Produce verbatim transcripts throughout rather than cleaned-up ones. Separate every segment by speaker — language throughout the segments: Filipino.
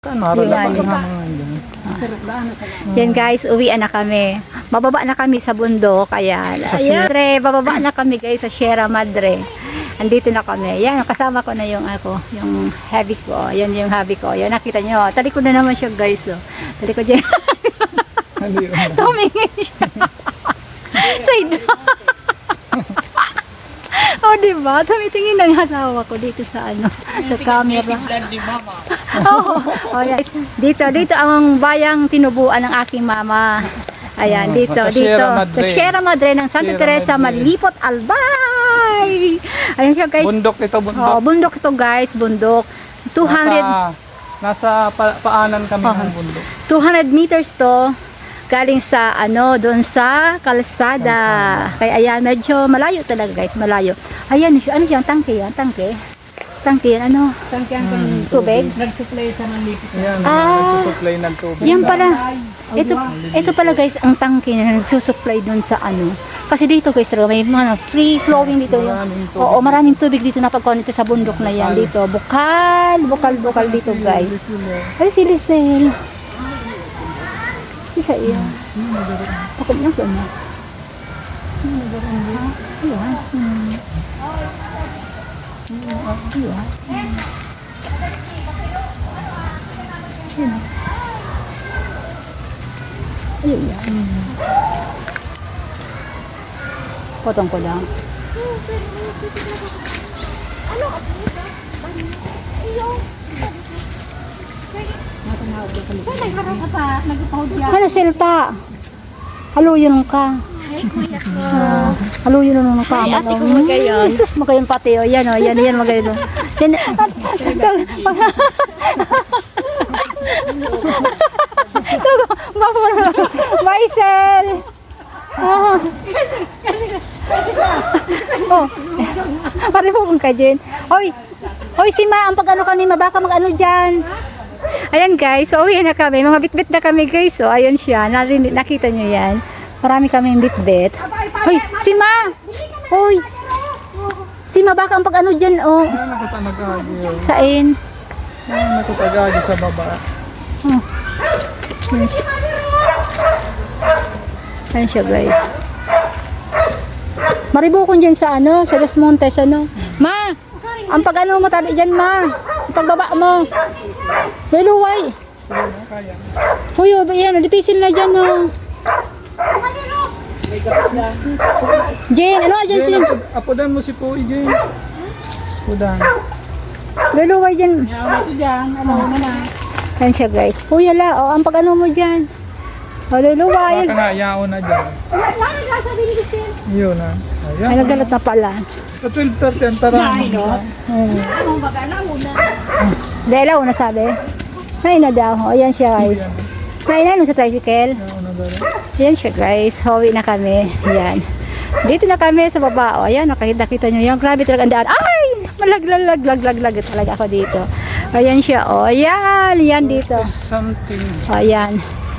Speaker 1: Yung ano. Yan guys, uwian na kami. Bababa na kami sa bundok. Ayan. Ayan, Madre, bababa na kami guys sa Sierra Madre. Andito na kami. Yan, kasama ko na yung ako, yung hubby ko. Yan yung hubby ko. Yan, nakita nyo. Tali ko na naman siya guys. Oh. Tali ko dyan. Tumingin siya. Side oh, diba? Tumitingin na yung asawa ko dito sa ano, sa camera. oh, oh, yes. Dito, dito ang bayang tinubuan ng aking mama. Ayan, dito,
Speaker 2: sa
Speaker 1: dito.
Speaker 2: Sierra Madre.
Speaker 1: Sa Sierra Madre ng Santa
Speaker 2: Sierra
Speaker 1: Teresa,
Speaker 2: Madre.
Speaker 1: Malipot, Albay. Ayan siya guys.
Speaker 2: Bundok ito, bundok.
Speaker 1: Oh, bundok ito guys, bundok. two hundred,
Speaker 2: Nasa, nasa pa, paanan kami
Speaker 1: Oh.
Speaker 2: ng bundok.
Speaker 1: two hundred meters to. Galing sa ano, doon sa kalsada. Kaya ayan, medyo malayo talaga guys, malayo. Ayan, ano siya, tangke yan, tangke. Tangke yan, ano?
Speaker 3: Tangke ang
Speaker 2: Hmm,
Speaker 1: Tubig?
Speaker 3: nag-supply sa Manlipit.
Speaker 2: Ayan,
Speaker 1: Ah.
Speaker 2: nagsusupply ng tubig.
Speaker 1: Yan
Speaker 2: sa-
Speaker 1: pala. Ito, ito pala guys, ang tangke na nagsusupply doon sa ano. Kasi dito guys, talaga may ano, free flowing dito. Yung,
Speaker 2: Maraming tubig.
Speaker 1: oo, maraming tubig dito na pagkuhan dito sa bundok na yan. Dito, bukal, bukal, bukal dito guys. Ay, si Lisel. Isa iya. Ako na ko na. Ayan. Hmm. Ayan. Ayan. Ayan. Potong ko lang. Ano silta? Haluyon ka. Ah, haluyon na nung ka. Ay, ate ko magayon. Jesus, magayon pati. O, yan o, yan, yan, magayon. Yan. Tugo, Maisel. Oh. Oh. Pare po kung ka dyan. Hoy, hoy si Ma, ang pag-ano ka ni Ma, baka mag-ano dyan. Ayan guys, so uwi na kami. Mga bitbit na kami guys. So ayun siya, narinig, nakita nyo yan. Marami kaming bitbit. Hoy, si Ma! Hoy! Si Ma, baka ang pag-ano dyan, oh.
Speaker 2: Ayan, nakatagagi.
Speaker 1: Sain.
Speaker 2: Ayan, nakatagagi sa baba.
Speaker 1: Oh. Ayan siya. Ayan siya guys. Maribukon dyan sa ano, sa Los Montes, ano. Ma! Ang pag-ano mo tabi dyan, Ma. Ang pagbaba mo. Leluway. Hoy, oh, yan, dipisil na dyan, oh. Jane, ano dyan si...
Speaker 2: Jane, apo- apodan mo si Poy, Jane. Apodan.
Speaker 1: Leluway dyan.
Speaker 3: Yaw ito dyan, ano na na.
Speaker 1: Ayan siya guys. Uy, ala, oh, ang pag-ano mo dyan. Oh, leluway.
Speaker 2: Baka nga, yaon na dyan. Yun na.
Speaker 1: Ay,
Speaker 2: Ayan.
Speaker 1: nagalat na pala.
Speaker 2: Sa twelve thirty ang tara.
Speaker 1: Hmm. Dahil ako nasabi. May na daw. O, ayan siya guys. May na sa tricycle.
Speaker 2: Yaon na dyan.
Speaker 1: Ayan siya guys. Hawi na kami. Ayan. Dito na kami sa baba. O, ayan. Nakita-kita nyo yan. Grabe talaga ang daan. Ay! Malaglag, lag, lag, lag talaga ako dito. Ayan siya. O, ayan. Ayan dito.
Speaker 2: Something.
Speaker 1: O, ayan.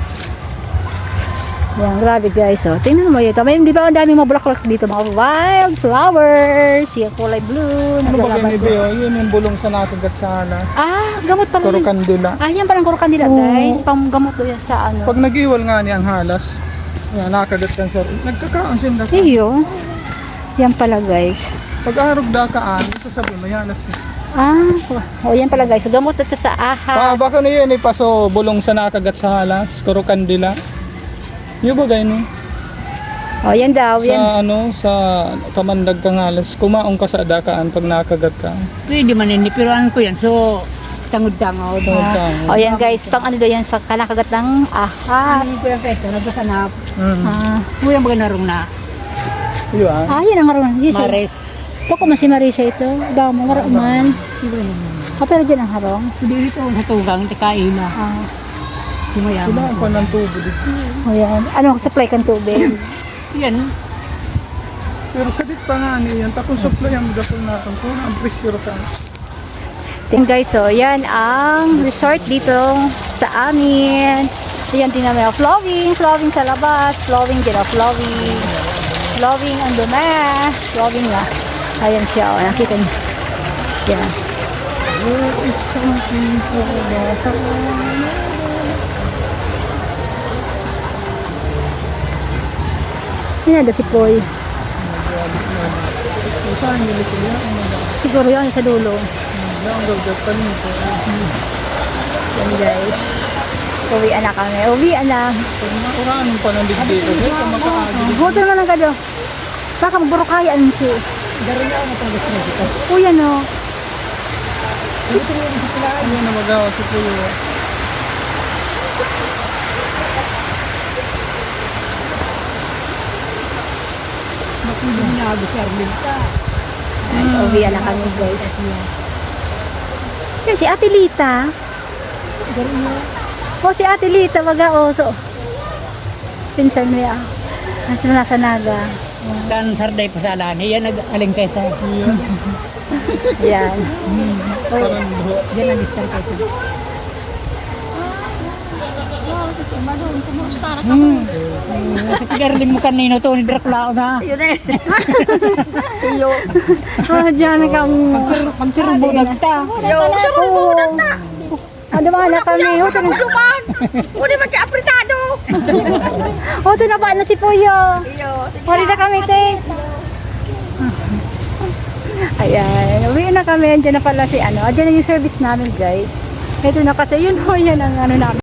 Speaker 1: Ayan, grabe guys. O, tingnan mo ito. May, di ba ang daming mga bulaklak dito? Mga wild flowers. Yung kulay blue.
Speaker 2: Ano ba
Speaker 1: naglalaban
Speaker 2: kayo
Speaker 1: ko.
Speaker 2: ni Yun yung bulong sa nakagat sa alas.
Speaker 1: Ah, gamot pala.
Speaker 2: Kuro
Speaker 1: yun.
Speaker 2: kandila.
Speaker 1: Ah, yan parang kurukan nila guys. Panggamot do yan sa ano.
Speaker 2: Pag nag-iwal nga niya ang halas, yan, nakagat kan sir. Nagkakaon siya na.
Speaker 1: Iyo. Yan pala guys.
Speaker 2: Pag arog dakaan, sasabi mo, halas mo.
Speaker 1: Ah, o yan pala guys. Gamot ito sa
Speaker 2: Ah,
Speaker 1: ahas.
Speaker 2: baka na yun, ipaso bulong sa nakagat sa halas, kuro kandila. Yung ba gayon eh?
Speaker 1: O yan daw.
Speaker 2: Sa
Speaker 1: Yan.
Speaker 2: ano, sa kamandag kang halas, kumaong ka sa dakaan pag nakagat ka.
Speaker 3: Pwede man yun, nipiruan ko yan. So, tangod-tangod.
Speaker 2: Tangod-tangod.
Speaker 1: O yan guys. Pang ano daw yan sa kanakagat ng ahas.
Speaker 3: Ano ko yung peto, nagkasanap.
Speaker 2: Mm.
Speaker 1: Ah,
Speaker 3: Kuya mga narong na.
Speaker 2: Yun ah.
Speaker 1: ah yan ang maroon. Yes, eh.
Speaker 3: Mares.
Speaker 1: Bako man si Marisa ito. Daw mo, maroon. Ah, pero dyan ang harong.
Speaker 3: Hindi dito sa tugang, tikain na.
Speaker 1: Ah,
Speaker 3: Sumayama.
Speaker 2: Kailangan pa ng tubo dito.
Speaker 1: o yan. Ano, supply kang tubig.
Speaker 3: Yan.
Speaker 2: Pero sabit pa nga niyan, tapos supply ang gasol natin kung ang pressure ka.
Speaker 1: Tingnan guys, so yan ang resort dito sa amin. Ayan, tingnan mo, flowing, flowing sa labas, flowing dyan, oh, flowing. Flowing ang dumi, flowing na. Ayan siya, oh, nakita niyo. Yan.
Speaker 2: Oh, isang tipo bata.
Speaker 1: Yan na si Poy.
Speaker 2: Kung saan nila sila? Ang mga
Speaker 1: Siguro yan sa dulo.
Speaker 2: ang gagawin nito.
Speaker 1: Yan guys. Uwian na kami. Uwian na.
Speaker 2: Pag mauraan pa ng digdito, kung makaagil.
Speaker 1: Buto naman ang gado. Baka magburukayaan si.
Speaker 3: Dari na ako pang gusto dito.
Speaker 1: Uy, ano?
Speaker 2: Ano na magawa si Puyo?
Speaker 3: Makulit na ako si Arlene ka.
Speaker 1: Uwian na kami guys. Yan si Ate Lita.
Speaker 3: Dari na.
Speaker 1: O si Ate Lita, waga oso. Pinsan mo yan. Nasa nasa naga.
Speaker 3: Kan sarday pa sa alani, yan nag-aling kayo tayo.
Speaker 1: Yan.
Speaker 2: Parang buho.
Speaker 3: Yan ang distar kayo. Hmm. Sa pigarlim mo kanino to, ni Dracula na.
Speaker 1: Oh, dyan kang...
Speaker 3: Magsirubo nagta.
Speaker 1: Yo, sa mga na. Ano ba na kami? O, ito na.
Speaker 4: O, di man siya apretado.
Speaker 1: O, ito na ba na si Puyo? Huli na kami, te. Ayan, uwi na kami. Andiyan na pala si ano. Andiyan na yung service namin, guys. Ito na kasi, yun ho, yan ang ano namin.